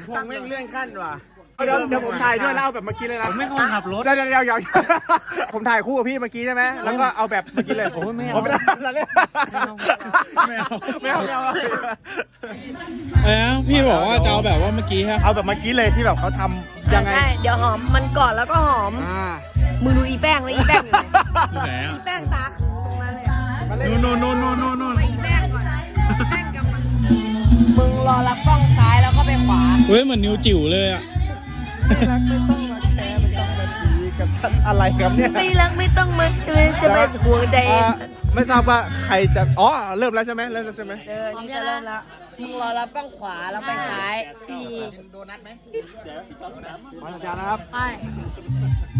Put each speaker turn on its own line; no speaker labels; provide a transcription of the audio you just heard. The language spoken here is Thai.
พงแม่งเลื่อนขั้นว่ะเดี๋ยวผมถ่ายด้วยแล้วเอาแบบเมื่อกี้เลยนะผมไม่คนขับรถเดี๋ยวผมถ่ายคู่กับพี่เมื่อกี้ใช่ไหมแล้วก็เอาแบบเมื่อกี้เลยผมไม่เอาไม่ได้ไม่เอา
พี่บอกว่าจะเอาแบบว่าเมื่อกี้ฮะ
เอาแบบเมื่อกี้เลยที่แบบเขาทำยังไง
ใช่เดี๋ยวหอมมันก่อนแล้วก็หอมมึงดูอีแป้งเลยอีแป้งอยู่ไหนอีแป้งตาตรงนั้นเลย
นู่น
ไปอีแป้งก่อนแป้งกับมึงรอรับกล้องซ้ายแล้วก็ไปขวา
เฮ้ยเหมือนนิ้วจิ๋วเลยอ่ะ
ไม่รักไม่ต้องมาแคร์ไม่ต้องมาดีกับฉันอะไรครับเนี่ย
ไม่รักไม่ต้องมาจะมาห่วงใจ
ไม่ทราบว่าใครจะอ๋อเริ่มแล้วใช่ไหมเริ่มแล้วใช่ไหม
พร้อมจะเริ่มแล้วมึงรอรับกล้องขวาแล้วไปซ้ายพี่
ขอสัญญาณนะครับ
ไป